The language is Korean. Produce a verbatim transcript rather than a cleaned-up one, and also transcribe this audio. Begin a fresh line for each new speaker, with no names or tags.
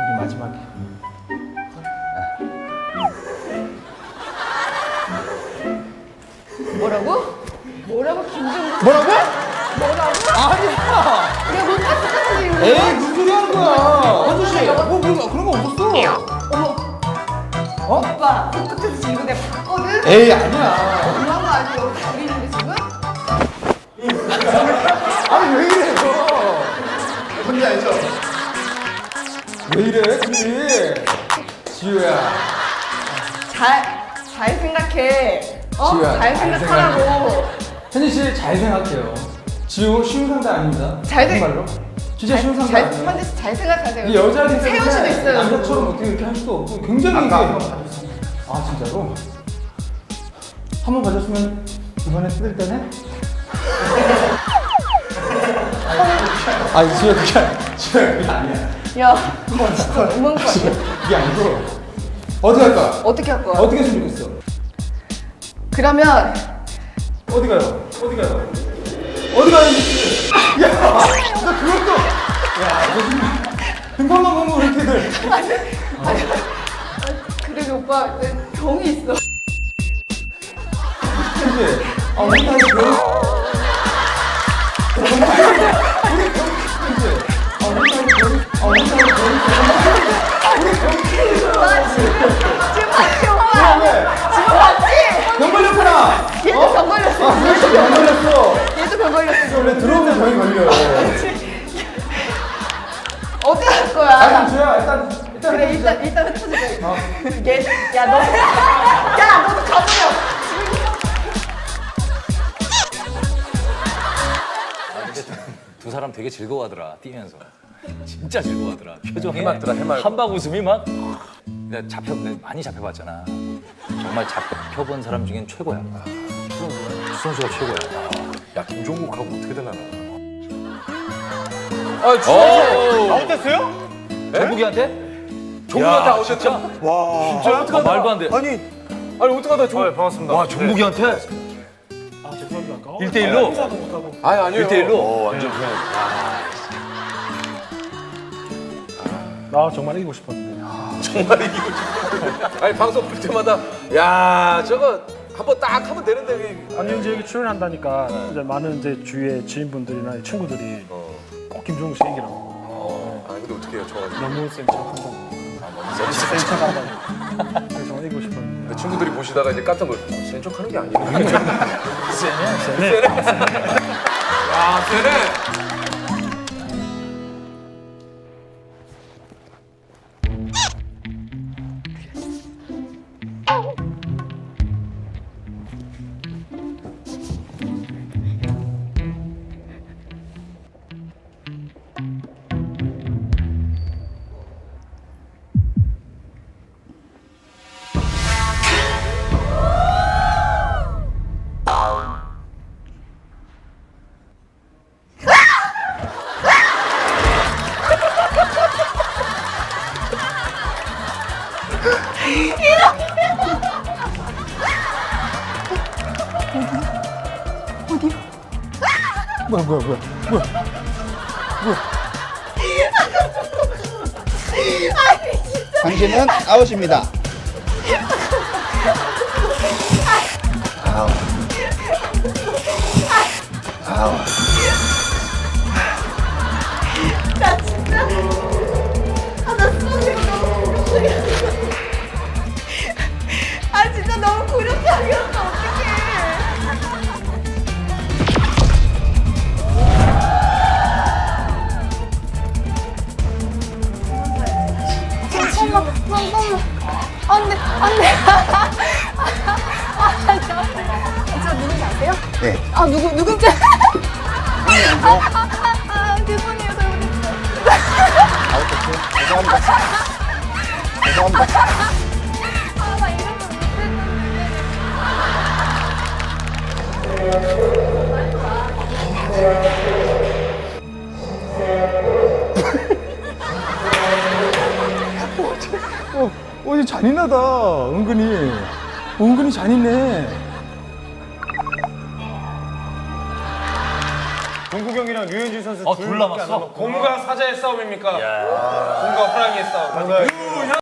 우리 마지막에.
뭐라고? 뭐라고 김정국?
뭐라고?
뭐라고?
아니야.
야, 못 봤어, 이거.
에이 무슨 소리 하는 거야? 현주 씨, 뭐 그런 그런 거 없었어.
어머.
어?
오빠, 손끝에서 지금 이거 내가 봤거든?
에이 아니야.
엄마가 아직 여기 보이는데 지금?
아니 왜 이래 너? 뭔지 알죠? 왜 이래 근데? 지우야.
잘, 잘 생각해. 어?
지우야,
잘
잘
생각하라고.
현진 씨 잘 생각해요. 지우 쉬운 상대 아닙니다.
잘 생-
정말로. 진짜 쉬운 상대
잘,
아니에요.
현지 씨 잘 생각하세요.
이 여자들
세울 수도 있어요.
남자처럼 어떻게 이렇게 할 수도 없고 굉장히 이게 아 진짜로? 한 번 봐줬으면 이번에 뜯을 때네? 아니 지우야 그게 아니야. 지우야 그게 아니야.
야, 뭐 진짜 너무한 거 아니야?
그게 아니고 어떻게 할까?
어떻게 할 거야?
어떻게 했으면 좋겠어?
그러면
어디 가요? 어디 가요? 어디 가요? 야, 너 그것도 야, 너 지금 등판만 보면 왜 이렇게들
그래도 오빠 내 병이 있어.
그치? 아, 우리 다 이거 병 우리 병 그치? 아, 우리 다 이거 병 아, 우리 다 이거 병
나 지금 지금 봤지 오빠?
왜?
지금 봤지?
병 걸렸구나!
얘도 병 걸렸어.
아, 그렇지, 병 걸렸어!
얘도 병 걸렸어.
원래 들어오면 병이 걸려요.
어떻게 할
아,
거야?
주야, 일단, 일단.
그래
해보자.
일단 일단 흩어지자.
어.
얘, 야 너, 야 너도 가버려.
두 사람 되게 즐거워하더라 뛰면서 진짜 즐거워하더라 표정이
해맑더라, 해맑어.
한박 웃음이 막 내가 잡혀 내가 많이 잡혀봤잖아 정말 잡혀본 사람 중엔 최고야 추성수가 최고야
야 김종국하고 어떻게 되려나?
아 추성수
아웃됐어요?
정국이한테?
종국한테
야,
아웃됐죠?
진짜?
와.
진짜 어떡하다 말도 안돼
아니 아니 어떡하다 종. 반갑습니다.
와 정국이한테
아 죄송합니다. 아까
일 대 일로?
인사도 못하고.
아니 아니요.
일대일로?
어, 완전 그냥.
나 정말 이기고 싶었는데.
정말 이기고 싶어. 아니 방송 볼 때마다 야 저거 한번 딱 하면 되는데 왜-
아니 이제 여기 출연한다니까 이제 많은 이제 주위의 지인분들이나 친구들이
어.
꼭 김종국 씨 이기라고.
어. 아니 근데 어떻게 해요 저.
너무 센 척한다고. 센 척한다고. 그래서 정말 이기고 싶었는데.
근데 친구들이 보시다가 이제 깜짝 놀랐어. 센 척하는 게 아니네.
네.
야 쟤네.
뭐야, 뭐야, 뭐야. 뭐야.
당신은 아웃입니다. 아웃. 아웃.
나 진짜. 아나 수영이가 너무 굴욕적이었어. 아 진짜 너무 굴욕적이었어. 어떡해. 잠깐만, 잠깐만. 안 돼, 안 돼. 아, 저, 저 누군지 아세요?
네.
아, 누구, 누군지. 아, 아, 아, 죄송해요, 잘못했어요.
아웃됐죠? 죄송합니다. 죄송합니다.
아, 나 이런 거 못했는데.
어, 어, 이거 잔인하다. 은근히. 은근히 잔인해.
동국형이랑 류현진 선수
어,
둘
둘
밖에 안
남았어?
남았고. 공과 사자의 싸움입니까? 공과 호랑이의 싸움.
감사합니다.